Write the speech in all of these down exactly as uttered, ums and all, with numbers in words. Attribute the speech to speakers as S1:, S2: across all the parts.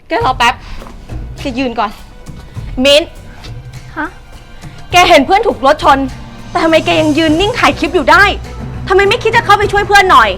S1: แกรอแป๊บแกยืนก่อนมิ้น
S2: ฮะ
S1: แกเห็นเพื่อนถูกรถชนแต่ทำไมแกยังยืนนิ่งถ่ายคลิปอยู่ได้ทำไมไม่คิดจะเข้าไปช่วยเพื่อนหน่อย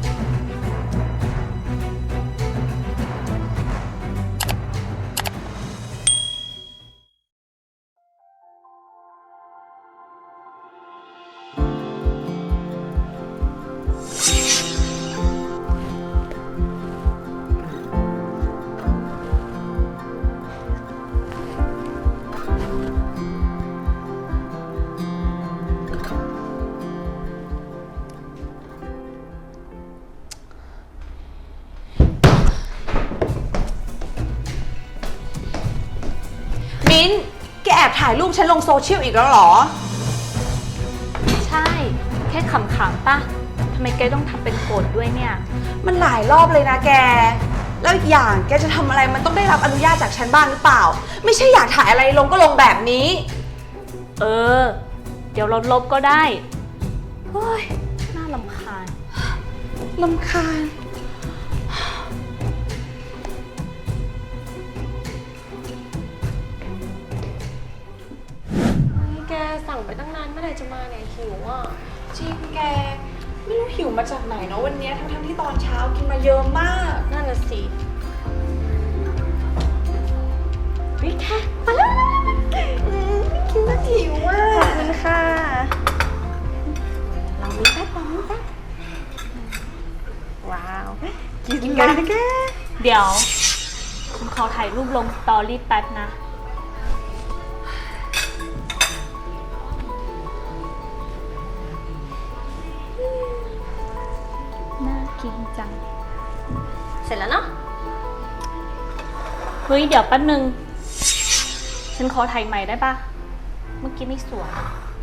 S1: มิ้นแกแอบถ่ายรูปฉันลงโซเชียลอีกแล้วเหรอ
S2: ใช่แค่ขำๆป่ะทำไมแกต้องทำเป็นโกรธด้วยเนี่ย
S1: มันหลายรอบเลยนะแกแล้วอีกอย่างแกจะทำอะไรมันต้องได้รับอนุญาตจากฉันบ้างหรือเปล่าไม่ใช่อยากถ่ายอะไรลงก็ลงแบบนี้
S2: เออเดี๋ยวเราลบก็ได้เฮ้ยน่ารำคาญ
S1: รำคาญแกสั่งไปตั้งนานเมื่อไหร่จะมาเนี่ยหิวอ่ะจริงแกไม่รู้หิวมาจากไหนเนาะวันนี้ทั้งๆที่ตอนเช้ากินมาเยอะมาก
S2: นั่นน่ะสิ
S1: วิแค่มาแล้วกินแล้วหิวอ่ะขอบคุณค่ะลองมีแป๊บลองมีแป๊บว้าวกินกันแก
S2: เดี๋ยวฉันขอถ่ายรูปลงสตอรี่แป๊บนะน่ากินจัง
S1: เสร็จแล้วเนาะ
S2: เฮ้ยเดี๋ยวแป๊บนึงฉันขอถ่ายใหม่ได้ปะเมื่อกี้ไม่สวย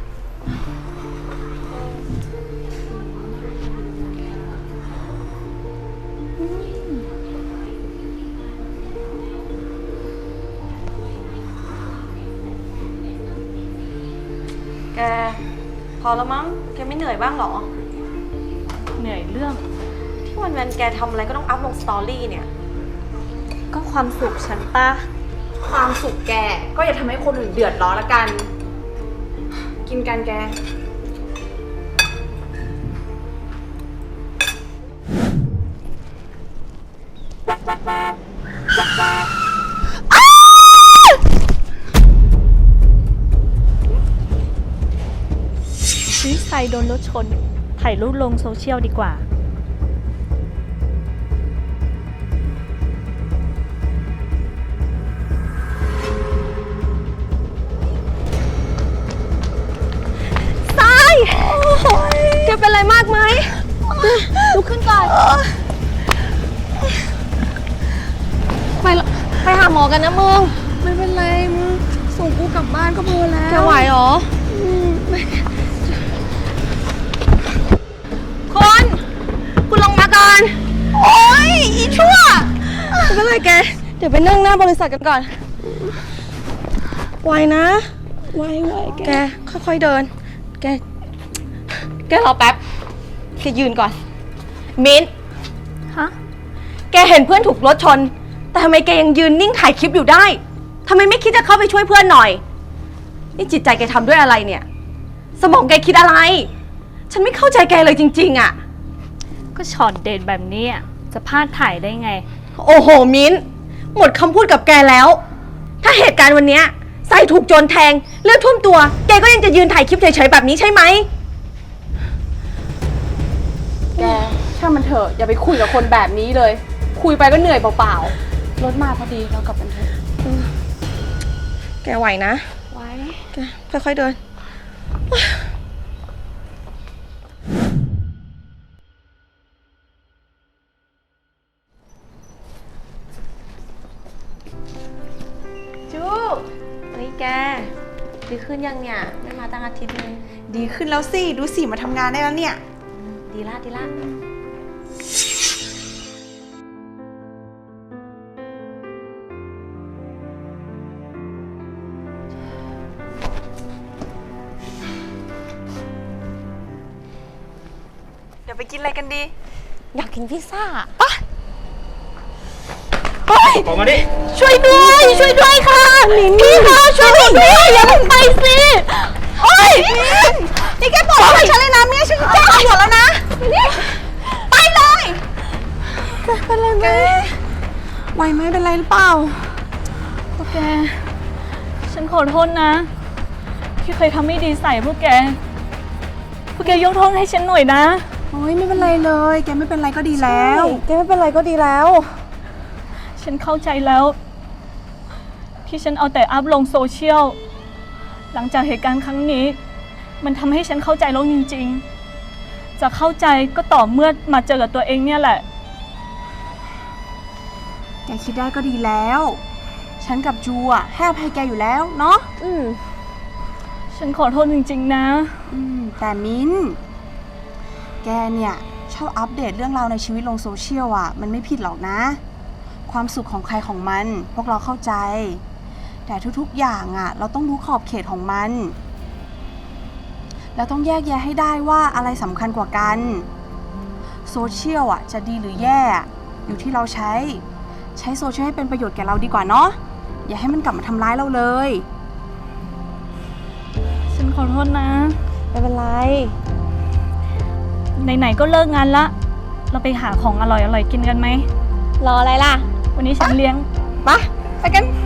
S1: แกพอแล้วมั้งแกไม่เหนื่อยบ้างหรอ
S2: เหนื่อยเรื่อง
S1: ที่วันวันแกทำอะไรก็ต้องอัพลงสตอรี่เนี่ย
S2: ก็ความสุขฉันป่ะ
S1: ความสุขแกก็อย่าทำให้คนอื่นเดือดร้อนละกันกินกันแก
S2: วิสัยโดนรถชนถ่ายรูปลงโซเชียลดีกว่า
S1: ทรายแกเป็นอะไรมากไหมลุกขึ้นก่อนไปไปหาหมอกันนะมึง
S3: ไม่เป็นไรมึงส่งกูกลับบ้านก็พอแล้ว
S1: แกไหวเหรอคนคุณลงมาก่อนโอ๊ยอีชั่วไม่เป็นไรแกเดี๋ยวไปนั่งหน้าบริษัทกันก่อนไหวนะ
S3: ไหวไหว
S1: แกค่อยๆเดินแกแกรอแป๊บแกยืนก่อนมิ้น
S2: ฮะ
S1: แกเห็นเพื่อนถูกรถชนแต่ทำไมแกยังยืนนิ่งถ่ายคลิปอยู่ได้ทำไมไม่คิดจะเข้าไปช่วยเพื่อนหน่อยนี่จิตใจแกทำด้วยอะไรเนี่ยสมองแกคิดอะไรฉันไม่เข้าใจแกเลยจริงๆอ่ะ
S2: ก็ช็อตเด็ดแบบนี้จะพลาดถ่ายได้ไง
S1: โอ้โหมิ้นหมดคำพูดกับแกแล้วถ้าเหตุการณ์วันนี้ใส่ถูกโจรแทงเลือดท่วมตัวแกก็ยังจะยืนถ่ายคลิปเฉยๆแบบนี้ใช่ไหม
S3: แกช่างมันเถอะอย่าไปคุยกับคนแบบนี้เลยคุยไปก็เหนื่อยเปล่าๆรถมาพอดีเรากลับกันเถอะ
S1: แกไหวนะ
S3: ไหว
S1: แกค่อยๆเดินจูเฮ้ยแกดีขึ้นยังเนี่ยไม่มาตั้งอาทิตย์นึง
S3: ดีขึ้นแล้วสิดูสิมาทำงานได้แล้วเนี่ย
S1: ดีละดีละ
S3: เดี๋ยวไปกินอะไรกันดี
S1: อยากกินพิซซ่าปะไป
S4: ออกมาดิ
S1: ช่วยด้วย ช่วยด้วยค่ะพี่คะช่วยหนูด้วยอย่าเพิ่งไปสิโอ๊ยนี่แกปล่อยฉันเลยนะเมียฉันแจ้งตำรวจแล้วนะนี่ไปเลยแกเป็นไรไหมไหวไหมเป็นไรหรือเปล่า
S2: พวกแก ฉันขอโทษนะ ที่เคยทำไม่ดีใส่พวกแก พวกแกยกโทษให้ฉันหน่อยนะ
S5: โอ้ยไม่เป็นไรเลยแกไม่เป็นไรก็ดีแล้ว
S1: แกไม่เป็นไรก็ดีแล้ว
S2: ฉันเข้าใจแล้ว ที่ฉันเอาแต่อัพลงโซเชียล หลังจากเหตุการณ์ครั้งนี้ มันทำให้ฉันเข้าใจแล้วจริงๆ จะเข้าใจก็ต่อเมื่อมาเจอกับตัวเองเนี่ยแหละ
S5: แกคิดได้ก็ดีแล้ว ฉันกับจูอ่ะให้อภัยแกอยู่แล้วเนาะ
S1: อืม
S2: ฉันขอโทษจริงๆนะ
S5: อืมแต่มิ้น แกเนี่ยชอบอัปเดตเรื่องราวในชีวิตลงโซเชียลอ่ะ มันไม่ผิดหรอกนะ ความสุขของใครของมัน พวกเราเข้าใจ แต่ทุกๆอย่างอ่ะ เราต้องรู้ขอบเขตของมัน เราต้องแยกแยะให้ได้ว่าอะไรสำคัญกว่ากันโซเชียลอ่ะจะดีหรือแย่อยู่ที่เราใช้ใช้โซเชียลให้เป็นประโยชน์แก่เราดีกว่าเนาะอย่าให้มันกลับมาทำร้ายเราเลย
S2: ฉันขอโทษนะ
S1: ไม่เป็นไร
S2: ไหนๆก็เลิกงานละ เราไปหาของอร่อยๆกินกันไหม
S1: รออะไรล่ะ
S2: วันนี้ฉันเลี้ยง
S1: ไปไปกัน